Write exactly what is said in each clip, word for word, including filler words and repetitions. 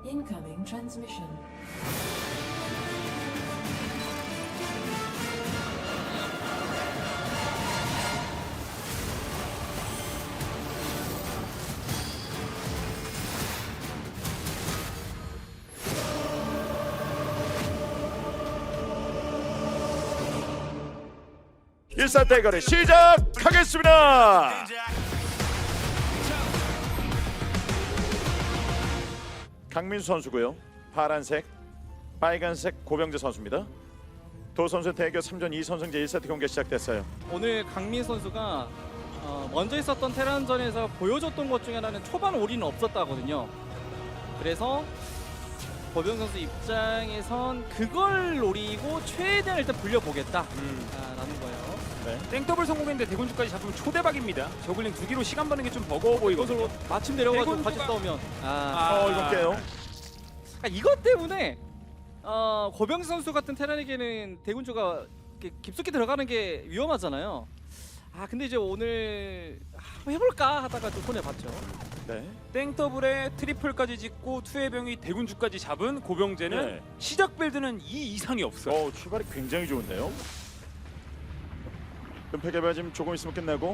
Incoming transmission. 일사 대결을 시작하겠습니다. 강민수 선수고요. 파란색, 빨간색 고병재 선수입니다. 두 선수 대결 삼 전 이 선승제 일 세트 경기 시작됐어요. 오늘 강민 선수가 어, 먼저 있었던 테란전에서 보여줬던 것 중에 하나는 초반 올인은 없었다거든요. 그래서 고병 선수 입장에선 그걸 노리고 최대한 일단 불려보겠다라는 음. 거예요. 네. 땡더블 성공했는데 대군주까지 잡으면 초대박입니다. 저글링 두 기로 시간 버는 게 좀 버거워 보이거든요. 이것으로 마침 내려가지고 대군주가- 같이 싸우면 아, 아. 어, 이거 깨요. 그러니까 이것 때문에 어, 고병 선수 같은 테란에게는 대군주가 이렇게 깊숙이 들어가는 게 위험하잖아요. 아 근데 이제 오늘 한번 해볼까 하다가 좀 손해 봤죠. 네. 땡더블에 트리플까지 짓고 투해병이 대군주까지 잡은 고병재는 네. 시작 빌드는 이 이상이 없어요. 어, 출발이 굉장히 좋은데요. 은폐 개발 지금 조금 있으면 끝나고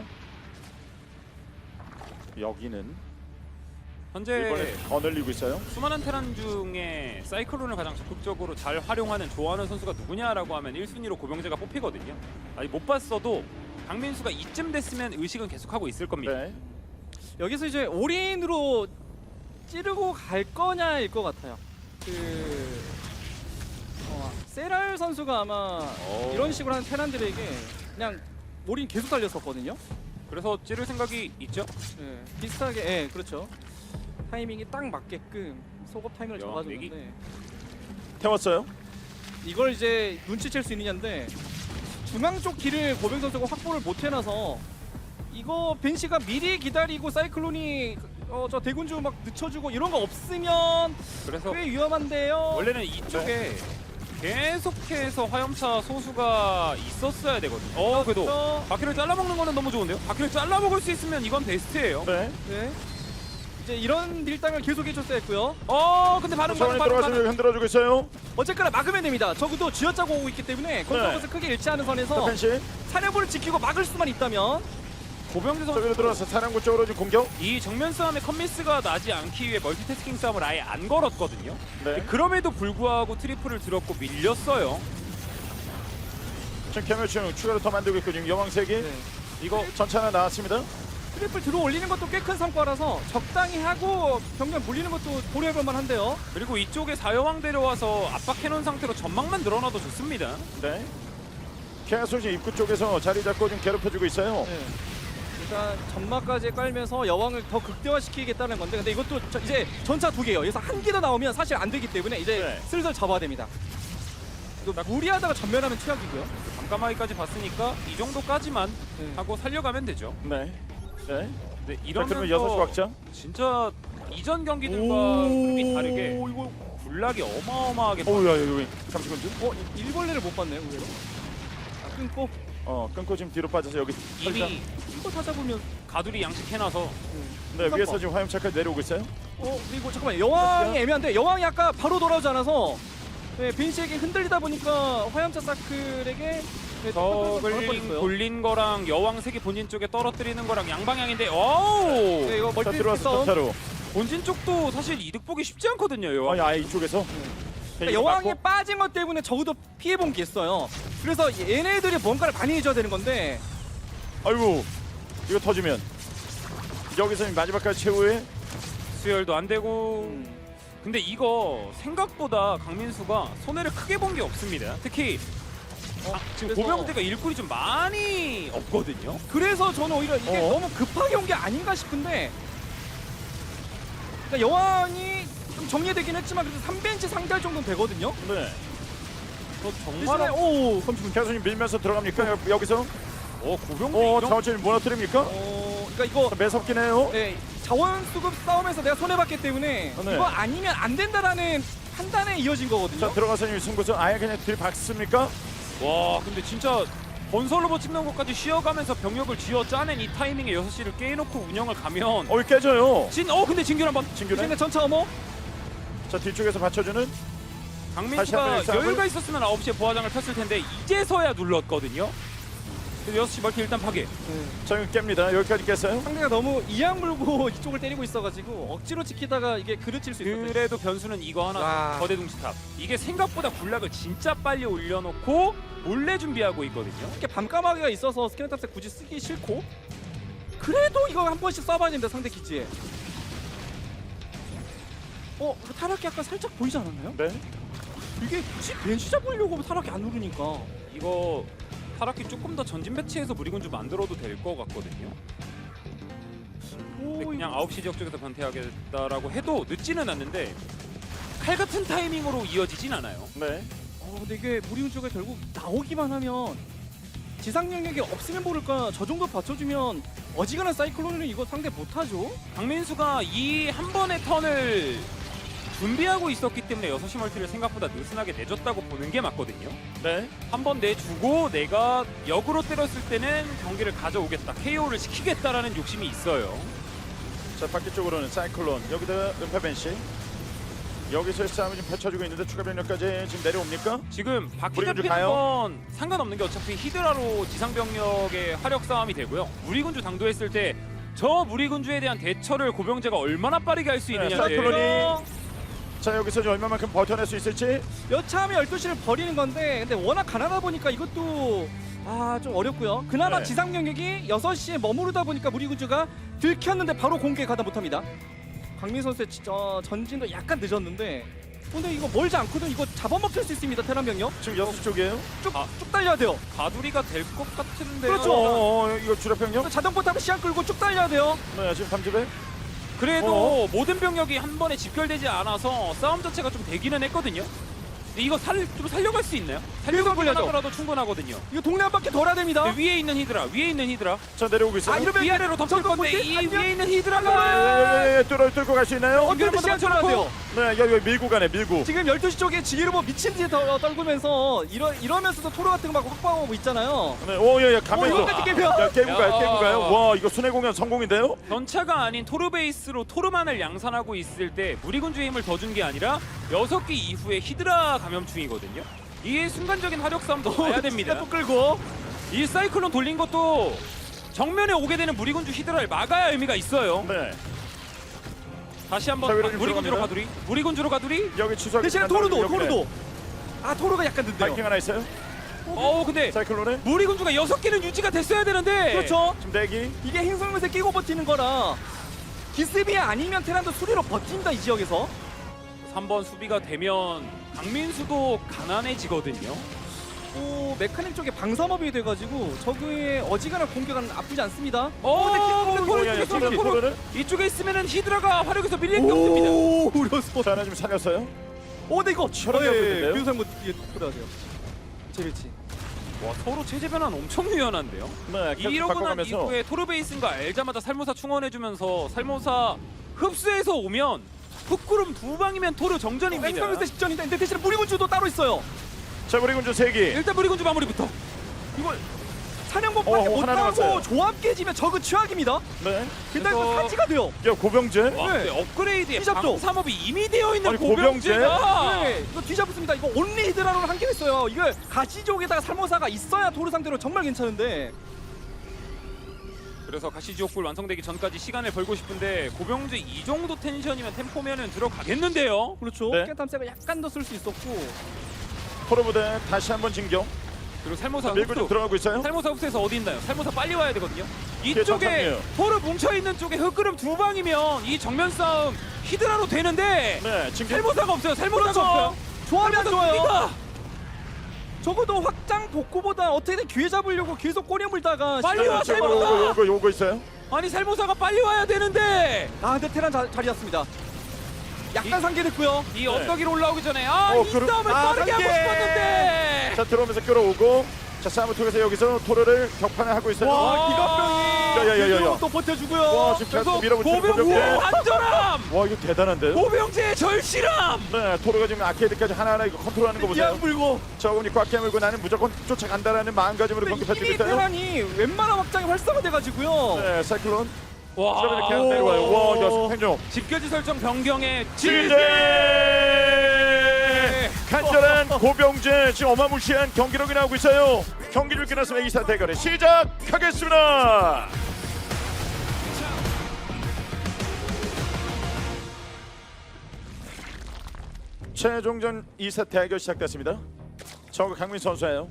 여기는 현재 이번에 더 늘리고 있어요. 수많은 테란 중에 사이클론을 가장 적극적으로 잘 활용하는 좋아하는 선수가 누구냐라고 하면 일 순위로 고병재가 뽑히거든요. 아직 못 봤어도 강민수가 이쯤 됐으면 의식은 계속하고 있을 겁니다. 네. 여기서 이제 올인으로 찌르고 갈 거냐일 것 같아요. 그 어, 세랄 선수가 아마 오. 이런 식으로 하는 테란들에게 그냥 올인 계속 달렸었거든요. 그래서 찌를 생각이 있죠. 예, 비슷하게, 예, 그렇죠. 타이밍이 딱 맞게끔 소급 타이밍을 여왕 잡아줬는데 태웠어요. 이걸 이제 눈치챌 수 있느냐인데 중앙 쪽 길을 고병 선수가 확보를 못 해놔서 이거 벤시가 미리 기다리고 사이클론이 어, 저 대군주 막 늦춰주고 이런 거 없으면 그래서 꽤 위험한데요. 원래는 이쪽에 계속해서 화염차 소수가 있었어야 되거든요. 어, 그래도 그렇죠. 바퀴를 잘라먹는 거는 너무 좋은데요? 바퀴를 잘라먹을 수 있으면 이건 베스트예요. 네. 네. 이제 이런 밀당을 계속 해줬어야 했고요. 어, 근데 반응, 반응, 저번에 반응, 들어가서 반응. 흔들어주고 있어요. 어쨌거나 막으면 됩니다. 적어도 쥐어짜고 오고 있기 때문에 컨트롤에서 크게 일치하는 선에서 펜시 사령부를 지키고 막을 수만 있다면 고병재 선수 저기로 들어와서 사령부 쪽으로 지금 공격. 이 정면 싸움에 컴미스가 나지 않기 위해 멀티태스킹 싸움을 아예 안 걸었거든요. 네. 그럼에도 불구하고 트리플을 들었고 밀렸어요. 지금 개멸충 추가로 더 만들고 있고 지금 여왕색이 네. 이거 전차 하나 나왔습니다. 트리플 들어 올리는 것도 꽤 큰 성과라서 적당히 하고 병력 물리는 것도 고려해볼 만한데요. 그리고 이쪽에 사여왕 데려와서 압박해놓은 상태로 전망만 늘어나도 좋습니다. 네. 계속 지금 입구 쪽에서 자리 잡고 좀 괴롭혀주고 있어요. 네. 일단 점막까지 깔면서 여왕을 더 극대화시키겠다는 건데 근데 이것도 저 이제 전차 두 개예요. 여기서 한 개 더 나오면 사실 안 되기 때문에 이제 네. 슬슬 잡아야 됩니다. 이거 무리하다가 전멸하면 최악이고요. 밤까마귀까지 봤으니까 이 정도까지만 네. 하고 살려가면 되죠. 네. 네. 근데 자, 이러면 그러면 여섯 시 확장. 진짜 이전 경기들과 흐름이 다르게 이거 군락이 어마어마하게 어우 야 여기 잠시만요. 어 이- 일벌레를 못 봤네요 의외로. 아, 끊고 어 끊고 지금 뒤로 빠져서 여기 이미 이거 찾아보면 가두리 양식해놔서 네 위에서 지금 화염차까지 내려오고 있어요. 어 그리고 잠깐만 여왕이 애매한데 여왕이 아까 바로 돌아오지 않아서 네, 빈시에게 흔들리다 보니까 화염차 사클에게 네, 저글링 돌린 거랑 여왕색이 본진 쪽에 떨어뜨리는 거랑 양방향인데 어우 네, 이거 자 멀티 들어와서 싸움. 전차로. 본진 쪽도 사실 이득 보기 쉽지 않거든요. 여왕. 아니 아예 이쪽에서. 그러니까 여왕이 빠진 것 때문에 적어도 피해본 게 있어요. 그래서 얘네들이 뭔가를 많이 해줘야 되는 건데 아이고 이거 터지면 여기서 지금 마지막까지 최후의 수혈도 안 되고 음, 근데 이거 생각보다 강민수가 손해를 크게 본 게 없습니다. 특히 아, 지금 그래서- 고병대가 일꾼이 좀 많이 없거든요. 그래서 저는 오히려 이게 어? 너무 급하게 온 게 아닌가 싶은데 그러니까 여왕이 좀 정리되긴 했지만 그래도 삼 벤치 상대할 정도는 되거든요. 네. 저 대신에 정말 오 계속 지금 밀면서 들어갑니까 여- 여기서? 어 고병대 어 이런 자원줄 무너뜨립니까? 어, 그러니까 이거 매섭긴 해요. 네, 자원 수급 싸움에서 내가 손해 봤기 때문에 네. 이거 아니면 안 된다라는 판단에 이어진 거거든요. 자 들어가서 지금 승부수 아예 그냥 들박습니까? 와 근데 진짜 건설 로봇 찍는 것까지 쉬어가면서 병력을 쥐어 짜낸 이 타이밍에 여섯 시를 깨놓고 운영을 가면 어 깨져요. 진, 어 근데 진균 한번 진규네. 근데 전차 어머 자 뒤쪽에서 받쳐주는 다시 강민수가 한번 싸움을. 여유가 있었으면 아홉 시에 부하장을 폈을 텐데 이제서야 눌렀거든요. 그래서 여섯 시 멀티 일단 파괴. 자 이거 깹니다. 여기까지 깼어요. 상대가 너무 이악 물고 이쪽을 때리고 있어가지고 억지로 지키다가 이게 그르칠 수 있었어요. 그래도 변수는 이거 하나. 와. 거대 둥지탑. 이게 생각보다 군락을 진짜 빨리 올려놓고 몰래 준비하고 있거든요. 이렇게 밤까마귀가 있어서 스캐너탑스 굳이 쓰기 싫고 그래도 이거 한 번씩 쏴봐야 됩니다. 상대 기지에. 어? 그 타락이 약간 살짝 보이지 않았나요? 네. 이게 굳이 벤시 잡으려고 타락이 안 누르니까 이거 타락기 조금 더 전진 배치해서 무리군주 만들어도 될 것 같거든요. 근데 오, 그냥 이거- 아홉 시 지역 쪽에서 변태하겠다라고 해도 늦지는 않는데 칼 같은 타이밍으로 이어지진 않아요. 네. 어, 근데 이게 무리군주가 결국 나오기만 하면 지상 영역이 없으면 모를까 저 정도 받쳐주면 어지간한 사이클론은 이거 상대 못하죠. 강민수가 이 한 번의 턴을 준비하고 있었기 때문에 여섯 시 멀티를 생각보다 느슨하게 내줬다고 보는 게 맞거든요. 네. 한 번 내주고 내가 역으로 때렸을 때는 경기를 가져오겠다, 케이오를 시키겠다라는 욕심이 있어요. 자 바퀴 쪽으로는 사이클론 여기다가 은폐벤시 여기서의 싸움을 지금 펼쳐주고 있는데 추가 병력까지 지금 내려옵니까? 지금 바퀴 무리군주 잡히는 가요? 건 상관없는 게 어차피 히드라로 지상병력의 화력 싸움이 되고요. 무리군주 당도했을 때 저 무리군주에 대한 대처를 고병재가 얼마나 빠르게 할 수 네, 있느냐인데 사이클론이 자 여기서 지금 얼마만큼 버텨낼 수 있을지. 여차하면 열두 시를 버리는 건데 근데 워낙 가난하다 보니까 이것도 아 좀 어렵고요. 그나마 네. 지상 영역이 여섯 시에 머무르다 보니까 무리군주가 들켰는데 바로 공격에 가다 못합니다. 강민 선수의 지- 어, 전진도 약간 늦었는데 근데 이거 멀지 않거든. 이거 잡아먹힐 수 있습니다. 테란 병력 지금 여섯 시 쪽이에요. 쭉, 아. 쭉 달려야 돼요. 가두리가 될 것 같은데요. 그렇죠. 어, 어, 이거 주력 병력. 자동포 타고 시간 끌고 쭉 달려야 돼요. 네 지금 삼집에. 그래도 어? 모든 병력이 한 번에 집결되지 않아서 싸움 자체가 좀 되기는 했거든요. 근데 이거 살, 좀 살려갈 수 있나요? 살려가기만 걸려죠. 하더라도 충분하거든요. 이거 동네 한 바퀴 돌아야 됩니다. 근데 위에 있는 히드라, 위에 있는 히드라. 자 내려오고 있어요. 아, 이러면 위아래로 덮칠 저거 건데 뭐지? 이 아니면- 위에 있는 예, 히드라가 예, 예, 뚫어 뚫고 갈 수 있나요? 어떻게 시간 끌어야 돼요. 네 여기 여기 밀고 가네 밀고. 지금 열두 시 쪽에 지게로 뭐 미친 듯이 덜- 떨구면서 이러, 이러면서도 토로 같은 거 막 확보하고 있잖아요. 네, 오예예 어, 가면서. 이거까지 깨면 야 깨고 가요 야. 깨고 가요. 와 이거 순회 공연 성공인데요? 전차가 아닌 토르 베이스로 토르만을 양산하고 있을 때 무리군주의 힘을 더 준 게 아니라 여섯 기 이후에 히드라 감염충이거든요. 이 순간적인 화력 싸움도 봐야 됩니다. 또 끌고 이 사이클론 돌린 것도 정면에 오게 되는 무리군주 히드라를 막아야 의미가 있어요. 네. 다시 자, 한번 위로 아, 좀 무리군주로 들어갑니다. 가두리. 무리군주로 가두리. 여기 취소하기 대신에 토르도 토르도 아 토르가 약간 늦네요. 바이킹 하나 있어요. 어우 근데 사이클론에 무리군주가 여섯 개는 유지가 됐어야 되는데. 그렇죠. 지금 대기. 이게 행성면에 끼고 버티는 거라 기습이 아니면 테란도 수리로 버틴다 이 지역에서. 삼 번 수비가 되면 강민수도 가난해지거든요. 오 메카닉 쪽에 방사업이 돼가지고 저그의 어지간한 공격은 나쁘지 않습니다. 어, 근데 근데 토르, 야, 야, 토르, 토르, 토르, 토르. 토르를. 이쪽에 있으면은 히드라가 화력에서 밀릴 게 없습니다. 오 우려서. 자 하나 좀 살렸어요. 오 근데 이거 치열하게 하고 있는데요? 교수님 뭐 이게 들어가세요. 재배치. 와 서로 체제 변환 엄청 유연한데요. 네 계속 이러고 난 바꿔가면서. 이후에 토르베이스가 알자마자 살모사 충원해주면서 살모사 흡수해서 오면 흑구름 두 방이면 토르 정전입니다. 행성면세 직전인데 근데 대신에 무리군주도 따로 있어요. 자 무리군주 세 기. 일단 무리군주 마무리부터. 이거 사냥법밖에 어, 하나 못하고 남았어요. 조합 깨지면 저그 최악입니다. 네. 근데 그래서- 그 사지가 돼요. 야 고병재. 와, 네. 근데 업그레이드에 시작도. 방삼업이 이미 되어 있는 아니, 고병재? 고병재가 네, 이거 뒤잡습니다. 이거 온리 히드라로는 한개 했어요. 이거 가시족에다가 살모사가 있어야 도루 상대로 정말 괜찮은데. 그래서 가시지옥불 완성되기 전까지 시간을 벌고 싶은데 고병재 이 정도 텐션이면 템포면은 들어가겠는데요. 그렇죠. 네. 깨탐색을 약간 더 쓸 수 있었고. 토르부대 다시 한번 진격. 그리고 살모사 밀고 좀 흡수. 들어가고 있어요. 살모사 흡수에서 어디 있나요? 살모사 빨리 와야 되거든요. 뒤에 이쪽에 전상이에요. 토르 뭉쳐있는 쪽에 흑그름 두 방이면 이 정면 싸움 히드라로 되는데 네 진격. 살모사가 없어요. 살모사가 그렇죠. 없어요. 조합이 안 좋아요. 우리가 적어도 확장 복구보다 어떻게든 기회 잡으려고 계속 꼬리 물다가 빨리 시간을 와, 채우고- 살모사! 요거 요거 요거 있어요. 아니 살모사가 빨리 와야 되는데 아 근데 테란 자, 자리였습니다. 약간 이- 상기됐고요. 이 네. 언덕 위로 올라오기 전에 아이 어, 그럼- 싸움을 아, 빠르게 하고 단계! 싶었는데 자 들어오면서 끌어오고. 자 싸움을 통해서 여기서 토르를 격판을 하고 있어요. 와 와. 기갑병이 야야야야. 또 버텨주고요. 와 지금 그래서 계속 밀어붙이는 고병재 고병재. 안전함 와 이거 대단한데요. 고병재의 절실함 네 토르가 지금 아케이드까지 하나하나 이거 컨트롤하는 거 보세요. 기안 불고 저분이 꽉 깨물고 나는 무조건 쫓아간다라는 마음가짐으로 근데 경기 펼치고 이미 있어요. 테란이 웬만한 확장이 활성화돼가지고요. 네 사이클론. 와 그러면 이렇게 내려와요. 와 이거 생존. 집결지 설정 변경에 지제. 고병재 지금 어마무시한 경기력이 나오고 있어요. 경기 줄 끝났으면 이 사 대결을 시작하겠습니다. 최종전 이 사 대결 시작됐습니다. 저거 강민 선수예요.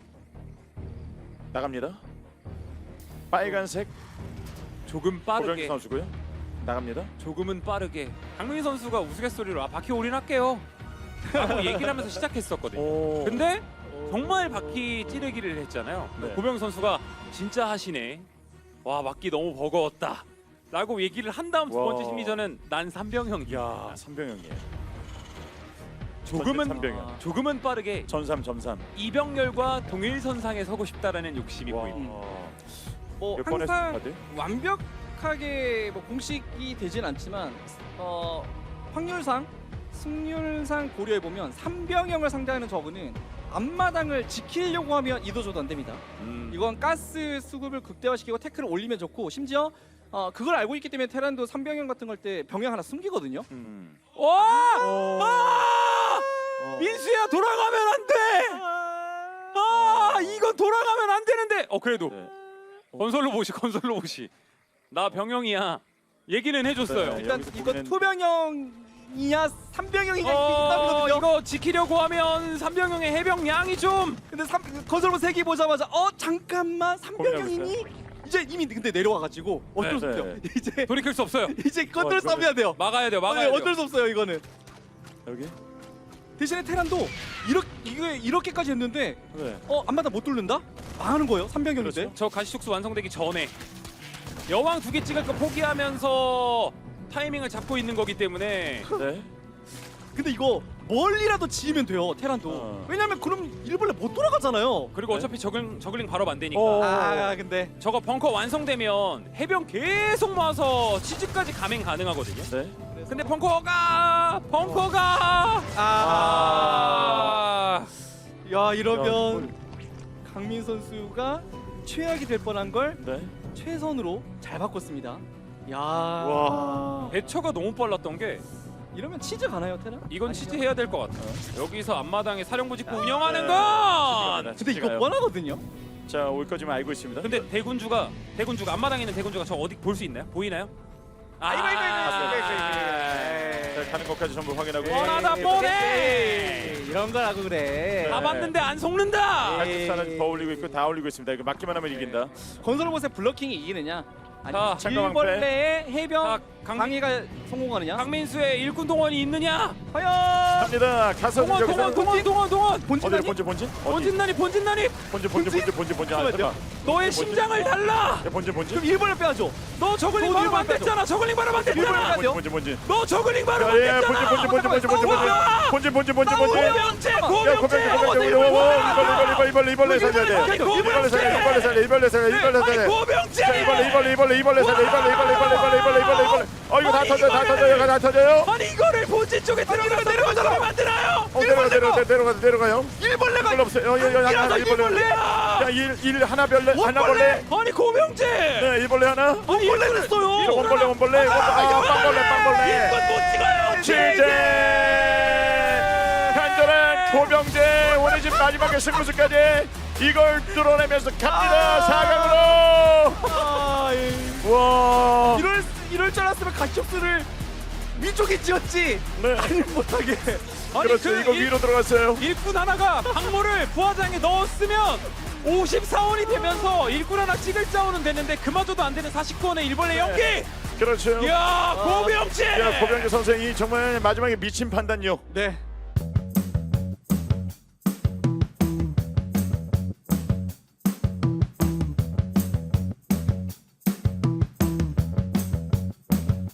나갑니다. 빨간색 조금 고병재 빠르게 선수고요. 나갑니다. 조금은 빠르게 강민 선수가 우스갯소리로 아 바퀴 올인할게요 라고 얘기를 하면서 시작했었거든요. 오. 근데 정말 바퀴 찌르기를 했잖아요. 네. 고병 선수가 진짜 하시네. 와 바퀴 너무 버거웠다. 라고 얘기를 한 다음 두 번째 와. 심리전은 난 삼병형이야. 야, 삼병형이에요. 조금은 삼병형. 조금은 빠르게 전삼 점삼. 이병렬과 동일선상에 서고 싶다라는 욕심이 와. 보입니다. 뭐 몇 번의 항상 스타드? 완벽하게 뭐 공식이 되진 않지만 어, 확률상 승률상 고려해 보면 삼병형을 상대하는 저그는 앞마당을 지키려고 하면 이도저도 안 됩니다. 음. 이건 가스 수급을 극대화시키고 태클을 올리면 좋고 심지어 어, 그걸 알고 있기 때문에 테란도 삼병형 같은 걸 때 병영 하나 숨기거든요. 음. 와! 어. 아! 어. 민수야 돌아가면 안 돼. 아 이건 돌아가면 안 되는데. 어 그래도 네. 건설로 보시 건설로 보시. 나 병영이야. 얘기는 해줬어요. 네. 일단 여기서 이거 보면은- 투병형이냐 삼병형이냐 이게 어, 있거든요. 이거 지키려고 하면 삼병영의 해병량이 좀 근데 삼, 건설로 세기 보자마자 어 잠깐만 고민하고 삼병형이니 이제 이미 근데 내려와가지고 어쩔 네, 수 없죠. 네. 이제 돌이킬 수 없어요. 이제 건설 어, 싸움 해야 돼요. 막아야 돼요. 막아야 네, 돼요. 어쩔 수 없어요 이거는. 여기? 대신에 테란도 이렇게 이게 이렇게까지 했는데 네. 어 안마다 못 뚫는다? 망하는 거예요 삼병형인데. 그렇죠. 저 가시촉수 완성되기 전에 여왕 두 개 찍을 거 포기하면서 타이밍을 잡고 있는 거기 때문에 네. 근데 이거 멀리라도 지으면 돼요 테란도. 어. 왜냐면 그럼 일벌레 못 돌아가잖아요. 그리고 네. 어차피 저글링, 저글링 바로 안 되니까 어. 아 근데 저거 벙커 완성되면 해병 계속 모아서 치즈까지 감행 가능하거든요. 네. 근데 벙커가 벙커가 아. 아 야 이러면 야, 강민 선수가 최악이 될 뻔한 걸 네. 최선으로 잘 바꿨습니다. 야. 와. 대처가 너무 빨랐던 게 이러면 치즈 가나요 테란? 이건 아니죠? 치즈 해야 될 것 같아요. 여기서 앞마당에 사령부 짓고 아, 운영하는 네. 건 근데 이거 뻔하거든요. 자, 올 거지만 알고 있습니다. 근데 대군주가 대군주가 앞마당에 있는 대군주가 저 어디 볼 수 있나요? 보이나요? 아 이거, 이거, 이거, 이거, 이거, 자, 가는 것까지 전부 확인하고. 원하다 보네. 에이, 이런 거라고 그래. 다 봤는데 안 속는다. 에이. 팔십사는 더 올리고 있고 다 올리고 있습니다. 이거 맞기만 하면 이긴다. 건설로봇의 블러킹이 이기느냐? 자, 아니 잠깐만, 일벌레의 해병 자, 강- 방해가 성공하느냐? 강민수의 일군 동원이 있느냐? 과연 갑니다. 가서 동원 여기서 동원 동원 동원 동원 어디를 본진이 본진 본진? 어디? 본진난이 본진난이 본진 본진 본진 본진 본진. 아, 잠깐. 너의 심장을 달라. 야, 본진 본진. 그럼 일벌레 빼야죠. 너 저글링 또 바로 일본 만댔잖아. 저글링 바로 일본 만댔잖아. 빼야죠. 본진 본진 본진. 너 저글링 바로 야, 예, 만댔잖아. 본진 본진 본진 본진 본진 본진. 본진 본진 본진 본진. 고병재 야, 고병재 고병재 고병재. 이벌레 이벌레 이벌레 이벌레 살려야 돼. 이벌레 살려 이벌레 살려 이벌레 살려 이벌레 아니 살려. 고병재 자, 이벌레 이벌레 이벌레 이벌레 살려 이벌레 이벌레 이벌레 이벌레 이벌레 이벌레 이벌레. 어, 이거 다 아니, 터져 다 이거를- 터져요. 다 터져요. 아니 이거를 본진 쪽에 들어가서 내려가서 만드나요? 어, 내려가 내려가 내려가 내려가요. 일벌레가 이벌레 없어요. 어, 여, 여, 하나, 하나, 이벌레. 일벌레야. 야, 일, 일 하나 별레 하나 벌레. 아니 고병재. 네, 일벌레 하나. 아니 일벌레 했어요. 이거 원벌레 원벌레. 원- 아, 빵벌레 빵벌레. 이건 못 찍어요. 취재 간절한 고병재 오늘 집 마지막에 승부수까지 이걸 뚫어내면서 갑니다. 사 강으로. 아, 예. 와. 이럴 이럴 줄 알았으면 가시옵스를 위쪽에 지었지. 네. 아니 못하게. 아니 그렇죠. 그 이거 일- 위로 들어갔어요. 일꾼 하나가 박모를 부하장에 넣었으면 오십사 원이 되면서 일꾼 하나 찍을 자원은 됐는데 그마저도 안 되는 사십구 원의 일벌레 연기. 그렇죠. 이야 고병재. 야, 고병재 선생이 정말 마지막에 미친 판단력. 네.